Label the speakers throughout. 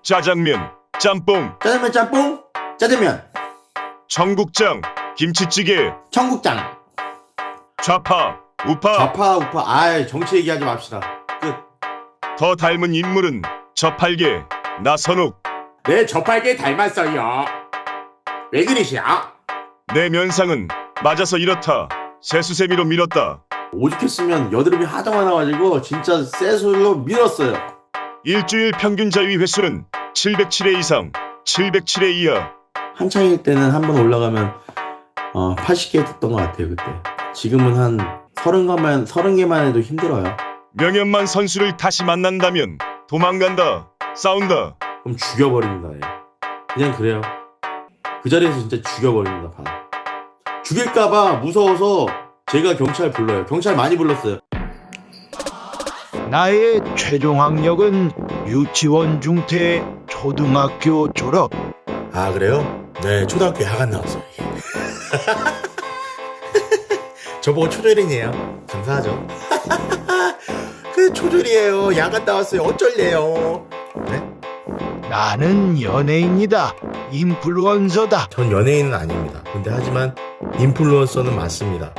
Speaker 1: 짜장면, 짬뽕,
Speaker 2: 짜장면 짬뽕, 짜장면,
Speaker 1: 청국장, 김치찌개,
Speaker 2: 청국장,
Speaker 1: 좌파, 우파.
Speaker 2: 좌파 우파. 아이, 정치 얘기하지 맙시다. 끝.
Speaker 1: 더 닮은 인물은 저팔계, 나선욱.
Speaker 2: 네, 저팔계 닮았어요. 왜 그러시오?
Speaker 1: 내 면상은 맞아서 이렇다. 세수세미로 밀었다.
Speaker 2: 오죽했으면 여드름이 하도 많아가지고 진짜 쇠술로 밀었어요.
Speaker 1: 일주일 평균 자위 횟수는 707회 이상, 707회 이하.
Speaker 2: 한창일 때는 한 번 올라가면 80개 됐던 것 같아요, 그때. 지금은 한 30개만 해도 힘들어요.
Speaker 1: 명현만 선수를 다시 만난다면 도망간다, 싸운다.
Speaker 2: 그럼 죽여버립니다. 예. 그냥 그래요. 그 자리에서 진짜 죽여버립니다. 죽일까봐 무서워서 제가 경찰 불러요. 경찰 많이 불렀어요.
Speaker 3: 나의 최종 학력은 유치원 중퇴 초등학교 졸업.
Speaker 2: 아, 그래요? 네, 초등학교 야간 나왔어요. 저보고 초졸이네요. 감사하죠. 그 초졸이에요. 야간 나왔어요. 어쩔래요? 네?
Speaker 3: 나는 연예인이다. 인플루언서다.
Speaker 2: 전 연예인은 아닙니다. 근데 하지만 인플루언서는 맞습니다.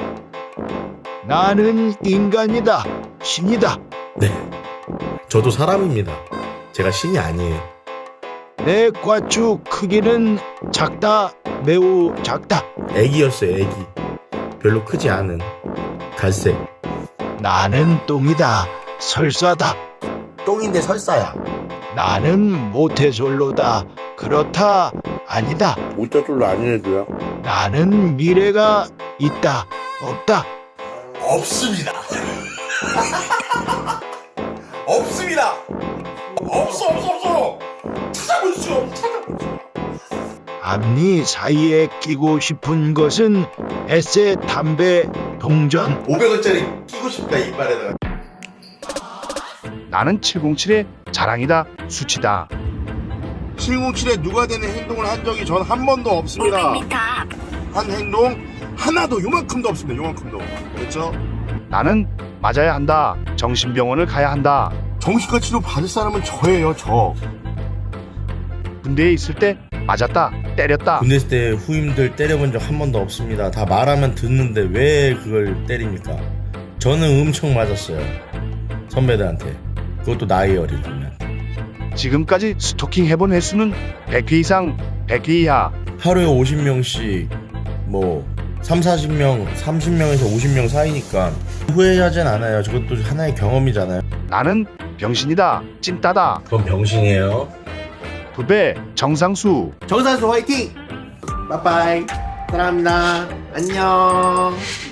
Speaker 3: 나는 인간이다. 신이다.
Speaker 2: 네, 저도 사람입니다. 제가 신이 아니에요.
Speaker 3: 내 꽈추 크기는 작다. 매우 작다.
Speaker 2: 애기였어요, 애기. 별로 크지 않은 갈색.
Speaker 3: 나는 똥이다. 설사다.
Speaker 2: 똥인데 설사야.
Speaker 3: 나는 모태솔로다. 그렇다. 아니다.
Speaker 2: 모짜솔로 아니래도요?
Speaker 3: 나는 미래가 있다. 없다.
Speaker 2: 없습니다. 없습니다. 없어. 찾아볼 수가 없어.
Speaker 3: 앞니 사이에 끼고 싶은 것은 에세, 담배, 동전.
Speaker 2: 500원짜리 끼고 싶다, 이빨에다가.
Speaker 4: 나는 707의 자랑이다. 수치다.
Speaker 5: 707에 누가 되는 행동을 한 적이 전 한 번도 없습니다. 한 행동 하나도 요만큼도 없습니다. 요만큼도. 그렇죠?
Speaker 4: 나는 맞아야 한다. 정신병원을 가야 한다.
Speaker 5: 정신과 치료 받을 사람은 저예요, 저.
Speaker 4: 군대에 있을 때 맞았다. 때렸다.
Speaker 2: 군대 있을 때 후임들 때려본 적 한 번도 없습니다. 다 말하면 듣는데 왜 그걸 때립니까? 저는 엄청 맞았어요. 선배들한테. 그것도 나이 어린 선배한테.
Speaker 4: 지금까지 스토킹 해본 횟수는 100회 이상, 100회 이하.
Speaker 2: 하루에 50명씩 뭐 30-40명, 30명에서 50명 사이니까 후회하진 않아요. 저것도 하나의 경험이잖아요.
Speaker 4: 나는 병신이다. 찐따다.
Speaker 2: 그건 병신이에요.
Speaker 4: 부배 정상수.
Speaker 2: 정산수 화이팅! 빠빠이. 사랑합니다. 안녕.